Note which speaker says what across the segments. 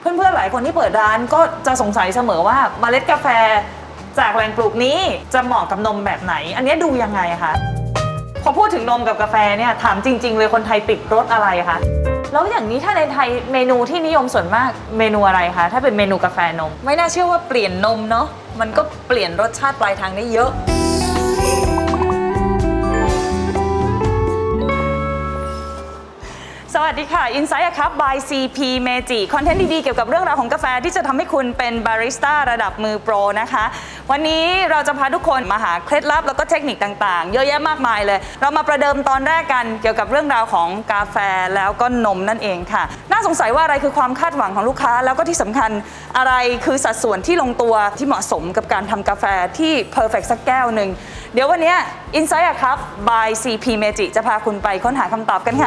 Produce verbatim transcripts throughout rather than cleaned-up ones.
Speaker 1: เพื่อนๆหลายคนที่เปิดร้านก็จะสงสัยเสมอว่าเมล็ดกาแฟจากแหล่งปลูกนี้จะเหมาะกับนมแบบไหนอันนี้ดูยังไงคะพอพูดถึงนมกับกาแฟเนี่ยถามจริงๆเลยคนไทยติดรสอะไรคะแล้วอย่างนี้ถ้าในไทยเมนูที่นิยมส่วนมากเมนูอะไรคะถ้าเป็นเมนูกาแฟนมไม่น่าเชื่อว่าเปลี่ยนนมเนาะมันก็เปลี่ยนรสชาติปลายทางได้เยอะสวัสดีค่ะ Insight ครับ by ซี พี Meiji คอนเทนต์ดีๆเกี่ยวกับเรื่องราวของกาแฟที่จะทำให้คุณเป็นบาริสต้าระดับมือโปรนะคะวันนี้เราจะพาทุกคนมาหาเคล็ดลับแล้วก็เทคนิคต่างๆเยอะแยะมากมายเลยเรามาประเดิมตอนแรกกันเกี่ยวกับเรื่องราวของกาแฟแล้วก็นมนั่นเองค่ะน่าสงสัยว่าอะไรคือความคาดหวังของลูกค้าแล้วก็ที่สำคัญอะไรคือสัดส่วนที่ลงตัวที่เหมาะสมกับการทำกาแฟที่ perfect สักแก้วหนึ่งเดี๋ยววันนี้ Insight ครับ by ซี พี Meiji จะพาคุณไปค้นหาคำตอบกันค่ะ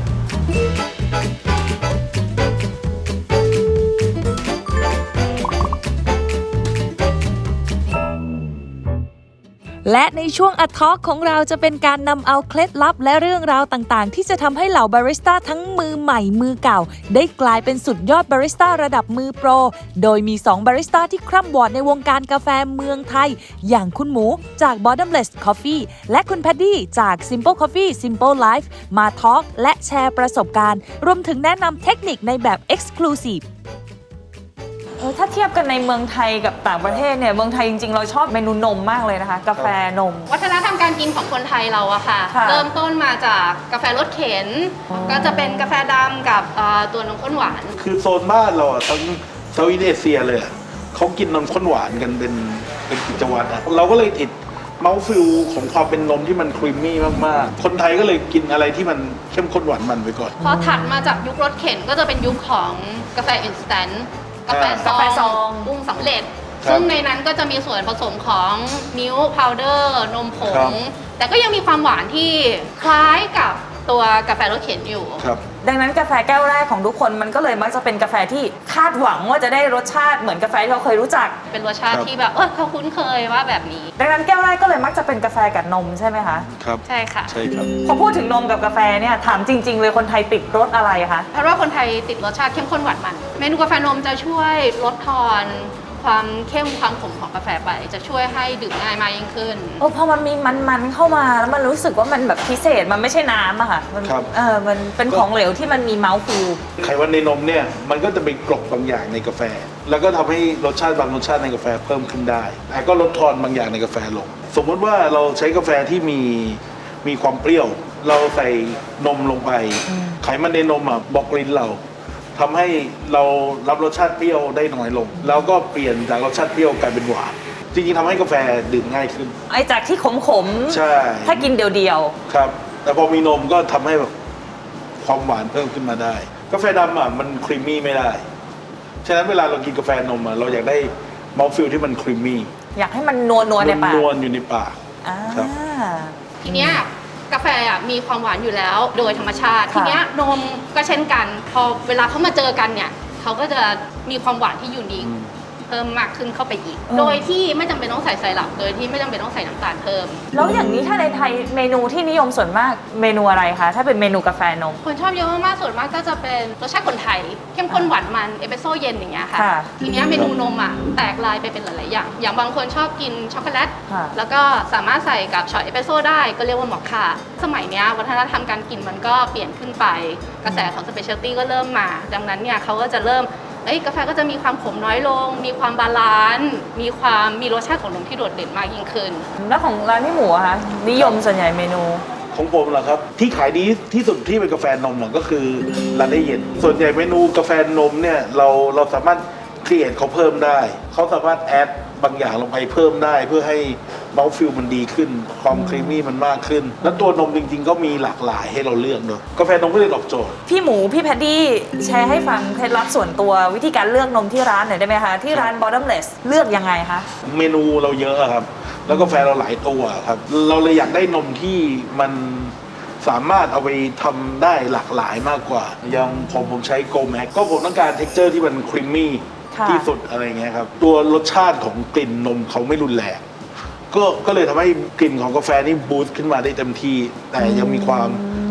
Speaker 2: และในช่วง Ad Talk ของเราจะเป็นการนำเอาเคล็ดลับและเรื่องราวต่างๆที่จะทำให้เหล่าบาริสต้าทั้งมือใหม่มือเก่าได้กลายเป็นสุดยอดบาริสต้าระดับมือโปรโดยมีสองบาริสต้าที่คร่ำวอดในวงการกาแฟเมืองไทยอย่างคุณหมูจาก Bottomless Coffee และคุณแพดดี้จาก Simple Coffee Simple Life มาทอล์กและแชร์ประสบการณ์รวมถึงแนะนำเทคนิคในแบบ Exclusive
Speaker 1: ถ้าเทียบกันในเมืองไทยกับต่างประเทศเนี่ยเมืองไทยจริงๆเราชอบเมนูนมมากเลยนะคะกาแฟนม
Speaker 3: วัฒนธรรมการกินของคนไทยเราอะค่ะเริ่มต้นมาจากกาแฟรสเข็นก็จะเป็นกาแฟดำกับตัวนมข้นหวาน
Speaker 4: คือโซนบ้านเราทั้งเซาท์อีสต์เอเชียเลยเขากินนมข้นหวานกันเป็นเป็นกิจวัตรอะเราก็เลยติดเมาส์ฟิลของความเป็นนมที่มันครีมมี่มากๆคนไทยก็เลยกินอะไรที่มันเข้มข้นหวานมันไปก่อน
Speaker 3: พอถัดมาจากยุครสเข็นก็จะเป็นยุคของกาแฟอินสแตนต์กาแฟซองปรุงสำเร็จซึ่งในนั้นก็จะมีส่วนผสมของมิลค์พาวเดอร์นมผงแต่ก็ยังมีความหวานที่คล้ายกับตัวกาแฟรสเข็นอยู่
Speaker 1: ดังนั้นกาแฟแก้วแรกของทุกคนมันก็เลยมักจะเป็นกาแฟที่คาดหวังว่าจะได้รสชาติเหมือนกาแฟที่เราเคยรู้จัก
Speaker 3: เป็นรสชาติที่แบบเออเขาคุ้นเคยว่าแบบนี้
Speaker 1: ดังนั้นแก้วแรกก็เลยมักจะเป็นกาแฟกับนมใช่ไหมคะ
Speaker 4: ครับ
Speaker 3: ใช่ค่ะ
Speaker 4: ใช่ครับ
Speaker 1: พอพูดถึงนมกับกาแฟเนี่ยถามจริงๆเลยคนไทยติดรสอะไรคะ
Speaker 3: เพราะว่าคนไทยติดรสชาติเข้มข้นหวานมันเมนูกาแฟนมจะช่วยลดทอนความเข้มความขมของกาแฟไปจะช่วยให้ดื่มง่ายมากยิ่งขึ้น
Speaker 1: โอ้พอมันมีมันๆเข้ามาแล้วมันรู้สึกว่ามันแบบพิเศษมันไม่ใช่น้ำอะค่ะมันเออมันเป็นของเหลวที่มันมีเมาส์ฟิล
Speaker 4: ไขมันในนมเนี่ยมันก็จะไปกลบบางอย่างในกาแฟแล้วก็ทำให้รสชาติบางรสชาติในกาแฟเพิ่มขึ้นได้แต่ก็ลดทอนบางอย่างในกาแฟลงสมมติว่าเราใช้กาแฟที่มีมีความเปรี้ยวเราใส่นมลงไปไขมันในนมอ่ะบอกลิ้นเราทำให้เรารับรสชาติเปรี้ยวได้น้อยลงแล้วก็เปลี่ยนจากรสชาติเปรี้ยวกลายเป็นหวานจริงๆทำให้กาแฟดื่มง่ายขึ้น
Speaker 1: ไอ้จากที่ขมๆ
Speaker 4: ใช่
Speaker 1: ถ้ากินเดียว
Speaker 4: ๆครับแต่พอมีนมก็ทำให้แบบความหวานเพิ่มขึ้นมาได้กาแฟดำอ่ะมันครีมมี่ไม่ได้ฉะนั้นเวลาเรากินกาแฟนมอ่ะเราอยากได้มอลฟิลที่มันครีมมี่
Speaker 1: อยากให้มันนัวนัวในปาก
Speaker 4: นัวอยู่ในปาก
Speaker 1: ครับ
Speaker 3: ทีเนี้ยกาแฟอ่ะมีความหวานอยู่แล้วโดยธรรมชาติทีเนี้ยนมก็เช่นกันพอเวลาเขามาเจอกันเนี่ยเขาก็จะมีความหวานที่ยูนิคเพิ่มมากขึ้นเข้าไปอีกโดยที่ไม่จำเป็นต้องใส่ไซรัปโดยที่ไม่จำเป็นต้องใส่น้ำตาลเพิ่ม
Speaker 1: แล้วอย่างนี้ถ้าในไทยเมนูที่นิยมส่วนมากเมนูอะไรคะถ้าเป็นเมนูกาแฟนม
Speaker 3: คนชอบเยอะมากๆส่วนมากก็จะเป็นรสชาติคนไทยเข้มข้นหวานมันเอสเปรสโซ่เย็นอย่างเงี้ยค่ะทีเนี้ยเมนูนมอ่ะแตกลายไปเป็นหลายๆอย่างอย่างบางคนชอบกินช็อกโกแลตแล้วก็สามารถใส่กับช็อตเอสเปรสโซ่ได้ก็เรียกว่ามอคค่าสมัยเนี้ยวัฒนธรรมการกินมันก็เปลี่ยนขึ้นไปกระแสของสเปเชียลตี้ก็เริ่มมาดังนั้นเนี่ยเขาก็จะเริ่มเอ้ยกาแฟก็จะมีความขมน้อยลงมีความบาลานซ์มีความมีรสชาติของนมที่โดดเด่นมากยิ่งขึ้น
Speaker 1: แล้วของร้านพี่หมูอะคะนิยมส่วนใหญ่เมนู
Speaker 4: ของผมเหรอครับที่ขายดีที่สุดที่เป็นกาแฟนมก็คือร้านได้เย็นส่วนใหญ่เมนูกาแฟนมเนี่ยเราเราสามารถครีเอทเขาเพิ่มได้เขาสามารถแอดบางอย่างลงไปเพิ่มได้เพื่อให้เมาส์ฟิลมันดีขึ้นความครีมมี่มันมากขึ้นแล้วตัวนมจริงๆก็มีหลากหลายให้เราเลือกเนอะกาแฟนมก็เลยตอบโจทย์
Speaker 1: พี่หมูพี่แพดดี้แชร์ให้ฟังเคล็ดลับส่วนตัววิธีการเลือกนมที่ร้านหน่อยได้ไหมคะที่ร้าน Bottomless เลือกยังไงคะ
Speaker 4: เมนูเราเยอะครับแล้วกาแฟเราหลายตัวครับเราเลยอยากได้นมที่มันสามารถเอาไปทำได้หลากหลายมากกว่าอย่างผมผมใช้โกแม็กก็ผมต้องการเท็กเจอร์ที่มันครีมมี่ที่สุดอะไรเงี้ยครับตัวรสชาติของกลิ่นนมเขาไม่รุนแรงก็ก็เลยทำให้กลิ่นของกาแฟนี่บูสต์ขึ้นมาได้เต็มที่แต่ยังมีความ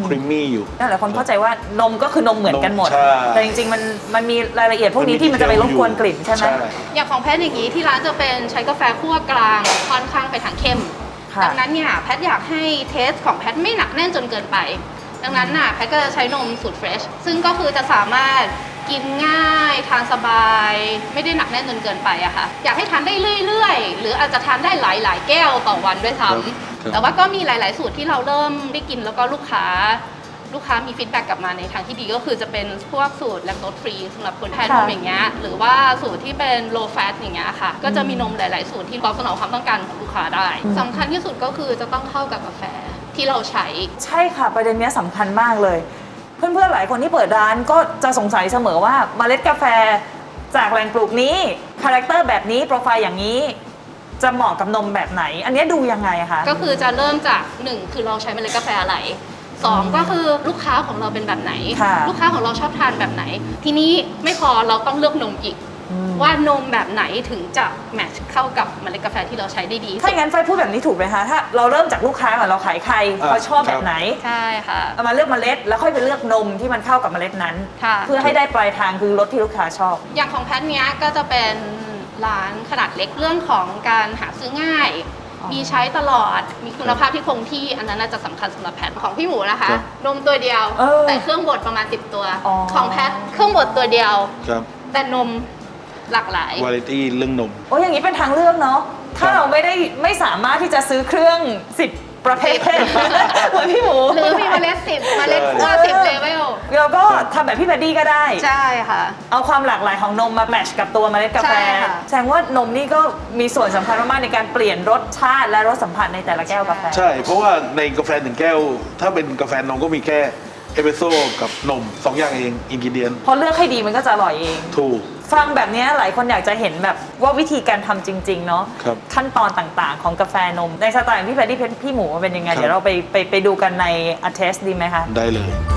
Speaker 4: ครีมมี่อยู่
Speaker 1: นั่นแหละคนเข้าใจว่านมก็คือนมเหมือนกันหมด
Speaker 4: ใช่
Speaker 1: แต่จริงๆมันมันมีรายละเอียดพวกนี้ที่มันจะไปรบกวนกลิ่นใช่ไหม
Speaker 3: อย่างของแพทย์อย่างนี้ที่ร้านจะเป็นใช้กาแฟคั่วกลางค่อนข้างไปทางเข้ม
Speaker 1: ค่ะ
Speaker 3: ดังนั้นเนี่ยแพทย์อยากให้เทสของแพทย์ไม่หนักแน่นจนเกินไป ดังนั้นน่ะแพทย์ก็จะใช้นมสูตรเฟรชซึ่งก็คือจะสามารถกินง่ายทานสบาย ไม่ได้หนักแน่นจนเกินไปอะค่ะอยากให้ทานได้เรื่อยๆ หรืออาจจะทานได้หลายๆ แก้วต่อวันด้วยซ้ำแต่ว่าก็มีหลายๆ สูตรที่เราเริ่มได้กินแล้วก็ลูกค้าลูกค้ามีฟีดแบ็กกลับมาในทางที่ดีก็คือจะเป็นพวกสูตรแลคโตสฟรีสำหรับคนแพ้นมอย่างเงี้ยหรือว่าสูตรที่เป็น low fat อย่างเงี้ยค่ะก็จะมีนมหลายๆ สูตรที่ตอบสนองความต้องการของลูกค้าได้สำคัญที่สุดก็คือจะต้องเข้ากับกาแฟที่เราใช้
Speaker 1: ใช่ค่ะประเด็นเนี้ยสำคัญมากเลย เพื่อนๆหลายคนที่เปิดร้านก็จะสงสัยเสมอว่าเมล็ดกาแฟจากแหล่งปลูกนี้คาแรคเตอร์แบบนี้โปรไฟล์อย่างนี้จะเหมาะกับนมแบบไหน อันเนี้ยดูยังไงคะ
Speaker 3: ก็คือจะเริ่มจากหนึ่งคือเราใช้เมล็ดกาแฟอะไรสองก็คือลูกค้าของเราเป็นแบบไหน
Speaker 1: ค่ะ
Speaker 3: ลูกค้าของเราชอบทานแบบไหน ทีนี้ไม่พอเราต้องเลือกนมอีก ว่านมแบบไหนถึงจะแมทช์เข้ากับเมล็ดกาแฟที่เราใช้ได้ดี
Speaker 1: ถ้าอย่างนั้นไฟพูดแบบนี้ถูกไหมคะถ้าเราเริ่มจากลูกค้าก่อนเราขายใคร
Speaker 4: อ่า
Speaker 1: เขาชอบแบบไหน
Speaker 3: ใช่ค่ะ
Speaker 1: เอามาเลือกเมล็ดแล้วค่อยไปเลือกนมที่มันเข้ากับเมล็ดนั้น
Speaker 3: ค่ะ
Speaker 1: เพื่อให้ได้ปลายทางคือรสที่ลูกค้าชอบ
Speaker 3: อย่างของแพทเนี้ยก็จะเป็นร้านขนาดเล็กเรื่องของการหาซื้อง่าย
Speaker 1: อ๋อ
Speaker 3: มีใช้ตลอด มีคุณภาพที่คงที่อันนั้นน่าจะสำคัญสำหรับแพทของพี่หมูนะคะ
Speaker 4: ครับ
Speaker 3: นมตัวเดียว
Speaker 1: เออ
Speaker 3: แต่เครื่องบดประมาณสิบตัว
Speaker 1: อ๋อ
Speaker 3: ของแพทเครื่องบดตัวเดียว
Speaker 4: ครับ
Speaker 3: แต่นมหลากหลาย
Speaker 4: วาไรตี้เรื่องนม
Speaker 1: โอ้ยอย่างนี้เป็นทางเลือกเนาะถ้าเราไม่ได้ไม่สามารถที่จะซื้อเครื่องสิบประเภทเหมือนพี่หมู
Speaker 3: หรือมีเมล็ดสิบเมล็ดคั่วสิบเลเวล
Speaker 1: เราก็ทำแบบพี่แพดดี้ก็ได้
Speaker 3: ใช่ค่ะ
Speaker 1: เอาความหลากหลายของนมมาแมทช์กับตัวเมล็ดกาแฟ
Speaker 3: ใช่ค่ะ
Speaker 1: แสดงว่านมนี่ก็มีส่วนสำคัญมากๆในการเปลี่ยนรสชาติและรสสัมผัสในแต่ละแก้วกาแฟ
Speaker 4: ใช่ เพราะว่าในกาแฟหนึ่งแก้ว ถ้าเป็นกาแฟนมก็มีแค่เอสเปรสโซ่กับนมสองอย่างเองอินกิเดียน
Speaker 1: พอเลือกให้ดีมันก็จะอร่อยเอง
Speaker 4: ถูก
Speaker 1: ฟังแบบนี้หลายคนอยากจะเห็นแบบว่าวิธีการทำจริงๆเนาะ
Speaker 4: ครับ
Speaker 1: ขั้นตอนต่างๆ ของกาแฟนมในสไตล์ของพี่แพดดี้พี่หมูเป็นยังไง
Speaker 4: ครับ
Speaker 1: เดี๋ยวเราไปไปไปดูกันใน Attest ดีไหมคะ
Speaker 4: ได้เลย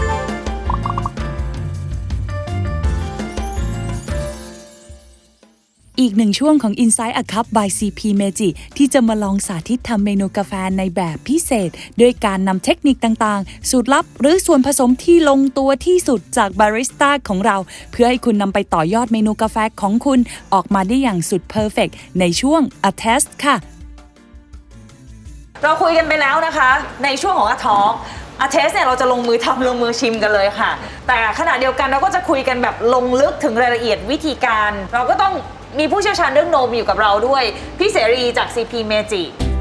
Speaker 2: อีกหนึ่งช่วงของ Inside a Cup by ซี พี Meiji ที่จะมาลองสาธิตทำเมนูกาแฟในแบบพิเศษ ด้วยการนำเทคนิคต่างๆ สูตรลับหรือส่วนผสมที่ลงตัวที่สุดจากบาริสต้าของเรา เพื่อให้คุณนำไปต่อยอดเมนูกาแฟของคุณออกมาได้อย่างสุดเพอร์เฟกต์ในช่วง Attest ค่ะ
Speaker 1: เราคุยกันไปแล้วนะคะ ในช่วงของอาทอล์กอาเทสเนี่ยเราจะลงมือทำลงมือชิมกันเลยค่ะ แต่ขณะเดียวกันเราก็จะคุยกันแบบลงลึกถึงรายละเอียดวิธีการ เราก็ต้องมีผู้เชี่ยวชาญเรื่องนมอยู่กับเราด้วย พี่เสรีจาก ซี พี Meiji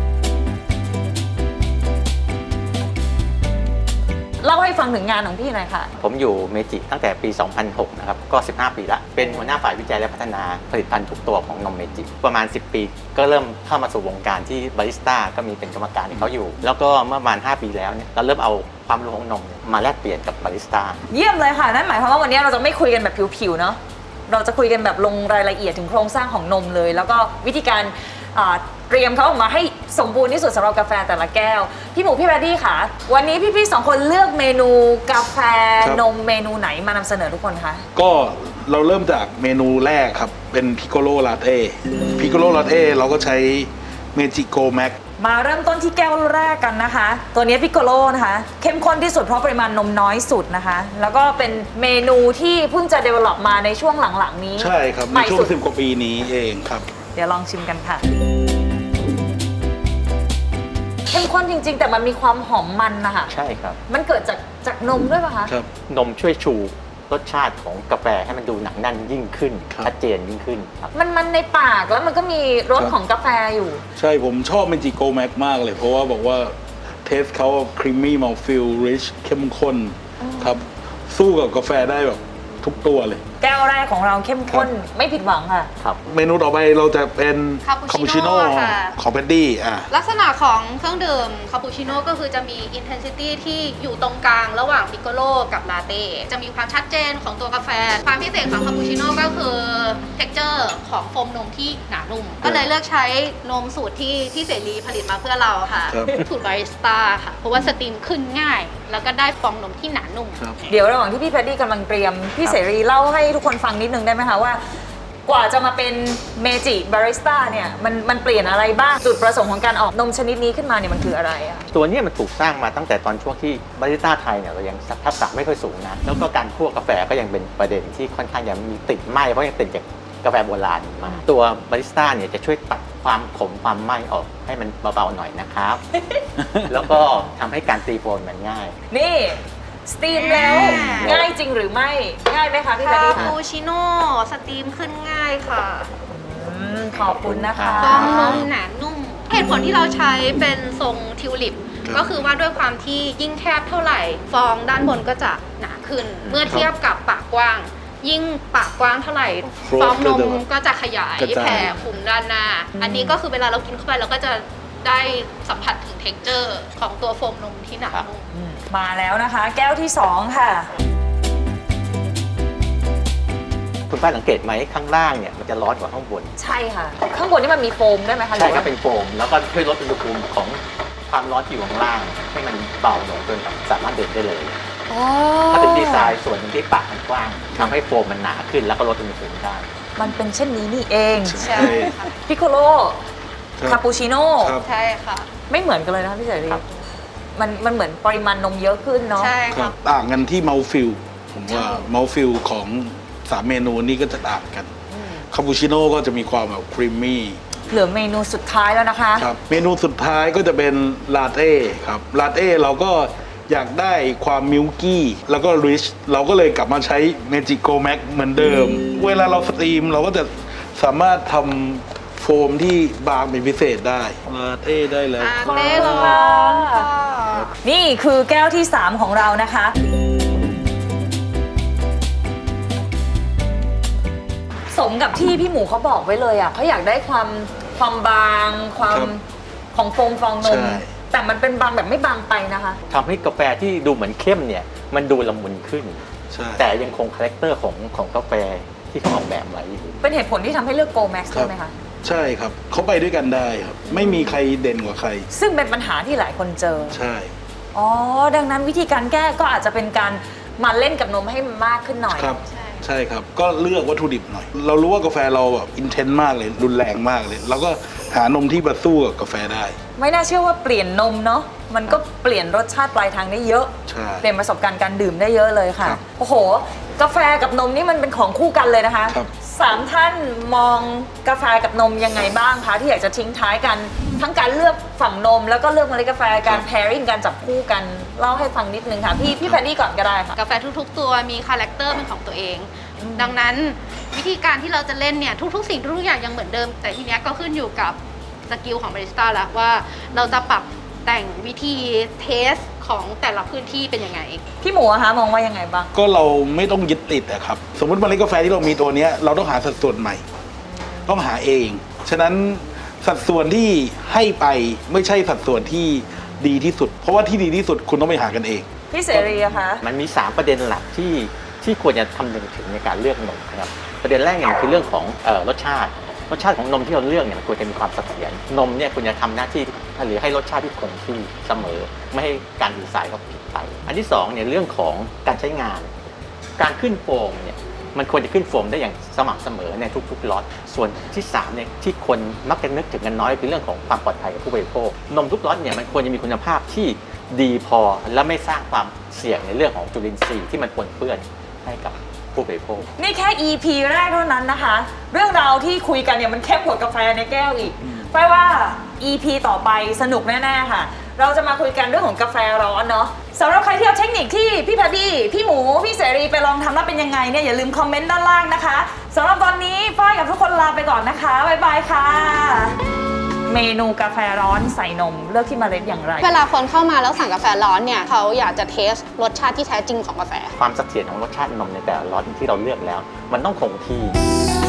Speaker 1: เล่าให้ฟังถึงงานของพี่หน่อยค่ะ
Speaker 5: ผมอยู่เมจิตั้งแต่ปี สองพันหก นะครับ ก็ สิบห้า ปีละ เป็นหัวหน้าฝ่ายวิจัยและพัฒนาผลิตภัณฑ์ทุกตัวของนมเมจิ ประมาณ สิบ ปี ก็เริ่มเข้ามาสู่วงการที่บาริสต้าก็มีเป็นกรรมการให้เขาอยู่ แล้วก็เมื่อประมาณ ห้า ปีแล้วเนี่ยเราเริ่มเอาความรู้ของนมเนี่ยมาแลกเปลี่ยนกับบาริสต้า
Speaker 1: เยี่ยมเลยค่ะ นั่นหมายความว่าวันนี้เราจะไม่คุยกันแบบผิวๆเนาะ เราจะคุยกันแบบลงรายละเอียดถึงโครงสร้างของนมเลย แล้วก็วิธีการอ่าเตรียมเขาออกมาให้สมบูรณ์ที่สุดสำหรับกาแฟแต่ละแก้ว พี่หมูพี่แบดดี้ค่ะ วันนี้พี่ๆสองคนเลือกเมนูกาแฟ
Speaker 4: ครับ
Speaker 1: นมเมนูไหนมานำเสนอทุกคนคะ
Speaker 4: ก็เราเริ่มจากเมนูแรกครับ เป็นพิโกโลลาเต้พิโกโลลาเต้เราก็ใช้เมจิโกแม็ก
Speaker 1: มาเริ่มต้นที่แก้วแรกกันนะคะ ตัวนี้พิโกโลนะคะ เข้มข้นที่สุดเพราะปริมาณนมน้อยสุดนะคะ แล้วก็เป็นเมนูที่เพิ่งจะ develop มาในช่วงหลังๆนี้
Speaker 4: ใช่ครับ
Speaker 1: ให
Speaker 4: ใน
Speaker 1: ม่
Speaker 4: ช่ว
Speaker 1: สุ
Speaker 4: ง
Speaker 1: ด
Speaker 4: สิบกว่าปีนี้เองครับ
Speaker 1: เดี๋ยวลองชิมกันค่ะ เข้มข้นจริงๆ แต่มันมีความหอมมันนะคะ
Speaker 5: ใช่ครับ
Speaker 1: มันเกิดจากจากนมด้วยป่ะคะ
Speaker 4: ครับ
Speaker 5: นมช่วยชูรสชาติของกาแฟให้มันดูหนักแน่นยิ่งขึ้น
Speaker 4: ครับ
Speaker 5: ชัดเจนยิ่งขึ้นครับ
Speaker 1: มันมันในปากแล้วมันก็มีรส
Speaker 4: ครับ
Speaker 1: ของกาแฟอยู่
Speaker 4: ใช่ผมชอบเมจิโกแม็กมากเลย เพราะว่าบอกว่าเทสเขาครีมมี่มัลฟิลริชเข้มข้นครับ สู้กับกาแฟได้แบบทุกตัวเลย
Speaker 1: แก้วแรกของเราเข้มข้นไม่ผิดหวังค่ะ
Speaker 5: ครับ
Speaker 4: เมนูต่อไปเราจะเป็น
Speaker 3: คาปูชิโน่ค่ะ
Speaker 4: ของแพดดี้อ่ะ
Speaker 3: ลักษณะของเครื่องดื่มคาปูชิโน่ก็คือจะมี intensity ที่อยู่ตรงกลางระหว่างพิโกโลกับลาเต้จะมีความชัดเจนของตัวกาแฟ ความพิเศษของคาปูชิโน่ก็คือ texture ของโฟมนมที่หนานุ่ม ก็เลยเลือกใช้นมสูตรที่ที่เสรีผลิตมาเพื่อเราค่ะ
Speaker 4: ครับ
Speaker 3: สูตรบาริสต้าค่ะ เพราะว่าสตรีมขึ้นง่าย แล้วก็ได้ฟองนมที่หนานุ่ม
Speaker 4: ครับ
Speaker 1: เดี๋ยวระหว่างที่พี่แพดดี้กำลังเตรียม พี่
Speaker 5: ครับ
Speaker 1: เสรีเล่าให้ทุกคนฟังนิดนึงได้ไหมคะว่ากว่าจะมาเป็นเมจิบาริสต้าเนี่ยมันมันเปลี่ยนอะไรบ้างจุดประสงค์ของการออกนมชนิดนี้ขึ้นมาเนี่ยมันคืออะไรอะ
Speaker 5: ตัวเนี้มันถูกสร้างมาตั้งแต่ตอนช่วงที่บาริสต้าไทยเนี่ยเรายังทักษะไม่ค่อยสูงนะแล้วก็การคั่วกาแฟก็ยังเป็นประเด็นที่ค่อนข้างยังมีติดไหมเพราะยังติดจากกาแฟโบราณมาตัวบาริสต้าเนี่ยจะช่วยตัดความขมความไหม้ออกให้มันเบาๆหน่อยนะครับ แล้วก็ทำให้การตีโฟมมันง่าย
Speaker 1: นี่สตรีมแล้วง่ายจริงหรือไม่ง่ายไหมคะพี่แพ
Speaker 6: คา
Speaker 1: ดดี้
Speaker 6: ปูชิโน่สตรีมขึ้นง่ายค่ะ
Speaker 1: อืมขอบคุณนะคะ
Speaker 6: ฟองนมหนานุ่ม เหตุผลที่เราใช้เป็นทรงทิวลิป ก็คือว่าด้วยความที่ยิ่งแคบเท่าไหร่ ฟองด้านบนก็จะหนาขึ้น เมื่อเทียบกับปากกว้าง ยิ่งปากกว้างเท่าไหร่ ฟองนมก็จะขยายแผ่คลุมด้านหน้า อันนี้ก็คือเวลาเรากินเข้าไปเราก็จะได้สัมผัสถึงเท็กเจอร์ของตัวโฟมนมที่หนานุ่ม
Speaker 1: มาแล้วนะคะ แก้วที่สองค่ะ
Speaker 5: คุณป้าสังเกตไหมข้างล่างเนี่ยมันจะร้อนกว่าข้างบน
Speaker 1: ใช่ค่ะ ข้างบนนี่มันมีโฟมได้ไหมคะ
Speaker 5: ใช่
Speaker 1: หอ
Speaker 5: ก็
Speaker 1: ว่า
Speaker 5: เป็นโฟมแล้วก็ช่วยลดอุณหภูมิของความร้อนที่อยู่ข้างล่าง ให้มันเบาลงจนสามารถดื่มได้เลย
Speaker 1: อ๋อ
Speaker 5: ก็เป็นดีไซน์ส่วนหนึ่งที่ปากมันกว้างทำให้โฟมมันหนาขึ้นแล้วก็ลดอุณหภูมิได้
Speaker 1: มันเป็นเช่นนี้นี่เอง
Speaker 6: ใช่ค่ะ
Speaker 1: พิโคโล
Speaker 4: ครับ
Speaker 1: คาปูชิโน่
Speaker 4: ครับ
Speaker 6: ใช่ค่ะ
Speaker 1: ไม่เหมือนกันเลยนะคะพี่เสรี
Speaker 5: ครับ
Speaker 1: มันมันเหมือนปริมาณนมเยอะขึ้นเนาะ
Speaker 6: ใช่
Speaker 4: ครั
Speaker 6: ค่ะ
Speaker 4: บต่างกันที่เมาฟิลผมว่าเมาฟิลของสามเมนูนี้ก็จะต่างกันคาปูชิโน่ก็จะมีความแบบครีมมี่
Speaker 1: เหลือเมนูสุดท้ายแล้วนะคะ
Speaker 4: ครับเมนูสุดท้ายก็จะเป็นลาเต้ครับลาเต้เราก็อยากได้ความมิลกี้แล้วก็ริชเราก็เลยกลับมาใช้เมจิโกแม็กเหมือนเดิม เวลาเราสตรีมเราก็จะสามารถทำโฟมที่บางเป็นพิเศษได้ลาเต้ได้แล้ว
Speaker 6: อา
Speaker 4: ครับ
Speaker 6: เต้ร้อนค่ะ
Speaker 1: นี่คือแก้วที่ สาม ของเรานะคะ สมกับที่พี่หมูเขาบอกไว้เลยอ่ะเขาอยากได้ความความบางความ
Speaker 4: ครับ
Speaker 1: ของโฟมฟองนม
Speaker 4: ใช่
Speaker 1: แต่มันเป็นบางแบบไม่บางไปนะคะ
Speaker 5: ทำให้กาแฟที่ดูเหมือนเข้มเนี่ยมันดูละมุนขึ้น
Speaker 4: ใช่
Speaker 5: แต่ยังคงคาแรคเตอร์ของของกาแฟที่เขาออกแบบไว้อยู่
Speaker 1: เป็นเหตุผลที่ทำให้เลือกโกแม็กซ์
Speaker 4: ครั
Speaker 1: ใช่
Speaker 4: บ
Speaker 1: ไหมคะ
Speaker 4: ใช่ครับเขาไปด้วยกันได้ครับ ไม่มีใครเด่นกว่าใคร
Speaker 1: ซึ่งเป็นปัญหาที่หลายคนเจอ
Speaker 4: ใช่
Speaker 1: อ๋อ ดังนั้นวิธีการแก้ก็อาจจะเป็นการมาเล่นกับนมให้มันมากขึ้นหน่อย
Speaker 4: ครับใช่ครับก็เลือกวัตถุดิบหน่อย เรารู้ว่ากาแฟเราแบบอินเทนต์มากเลยรุนแรงมากเลย เราก็หานมที่มาสู้กับกาแฟได้
Speaker 1: ไม่น่าเชื่อว่าเปลี่ยนนมเนาะ มันก็เปลี่ยนรสชาติปลายทางได้เยอะ
Speaker 4: ใช่
Speaker 1: เปลี่ยนประสบการณ์การดื่มได้เยอะเลยค่ะ
Speaker 4: ครับ
Speaker 1: โอ้โห กาแฟกับนมนี่มันเป็นของคู่กันเลยนะคะ
Speaker 4: ครับ
Speaker 1: สามท่านมองกาแฟกับนมยังไงบ้างคะที่อยากจะทิ้งท้ายกัน ทั้งการเลือกฝั่งนม แล้วก็เลือกเมล็ดกาแฟการ pairing การจับคู่กันเล่าให้ฟังนิดนึงค่ะ พี่พี่แพดดี้ก่อนก็ได้ค่ะ
Speaker 3: กาแฟทุกๆ ตัวมีคาแรคเตอร์เป็นของตัวเอง ดังนั้นวิธีการที่เราจะเล่นเนี่ยทุกๆ สิ่งทุกๆอย่างยังเหมือนเดิม แต่ทีเนี้ยก็ขึ้นอยู่กับสกิลของบาริสต้าแล้วว่าเราจะปรับแต่งวิธีเทสของแต่ละพื้นที่เป็นยังไง
Speaker 1: พี่หมูอะคะมองว่ายังไงบ้าง
Speaker 4: ก็เราไม่ต้องยึดติดอะครับ สมมติเมล็ดกาแฟที่เรามีตัวเนี้ยเราต้องหาสัดส่วนใหม่ ต้องหาเอง ฉะนั้นสัดส่วนที่ให้ไปไม่ใช่สัดส่วนที่ดีที่สุด เพราะว่าที่ดีที่สุดคุณต้องไปหากันเอง
Speaker 1: พี่เสรีอะคะ
Speaker 5: มันมี สาม ประเด็นหลักที่ที่ควรจะคำนึงถึงในการเลือกนมนะครับประเด็นแรกเนี่ยคือเรื่องของเอ่อรสชาติ รสชาติของนมที่เราเลือกเนี่ยมันควรจะมีความเสถียรนมเนี่ยควรจะทำหน้าที่หรือให้รสชาติที่คงที่เสมอ ไม่ให้การดีไซน์เขาผิดไป อันที่สองเนี่ยเรื่องของการใช้งาน การขึ้นโฟมเนี่ยมันควรจะขึ้นโฟมได้อย่างสม่ำเสมอในทุกๆล็อตส่วนที่สามเนี่ยที่คนมักจะนึกถึงกันน้อยคือเรื่องของความปลอดภัยกับผู้บริโภคนมทุกล็อตเนี่ยมันควรจะมีคุณภาพที่ดีพอและไม่สร้างความเสี่ยงในเรื่องของจุลินทรีย์ที่มันปนเปื้อนให้กับผู้บริโภค
Speaker 1: นี่แค่ อี พี แรกเท่านั้นนะคะ เรื่องราวที่คุยกันเนี่ยมันเข้มกว่ากาแฟในแก้วอีกแปลว่า อี พี ต่อไปสนุกแน่ๆค่ะ เราจะมาคุยกันเรื่องของกาแฟร้อนเนาะสำหรับใครที่เอาเทคนิคที่พี่แพดดี้พี่หมูพี่เสรีไปลองทำแล้วเป็นยังไงเนี่ยอย่าลืมคอมเมนต์ด้านล่างนะคะสำหรับตอนนี้ฝ้ายกับทุกคนลาไปก่อนนะคะบ๊ายบายค่ะ เมนูกาแฟร้อนใส่นมเลือกที่เมล็ดอย่างไร
Speaker 3: เวลาคนเข้ามาแล้วสั่งกาแฟร้อนเนี่ยเขาอยากจะเทสรสชาติที่แท้จริงของกาแฟ
Speaker 5: ความเสถียรของรสชาตินมในแต่ละล็อตที่เราเลือกแล้ว มันต้องคงที่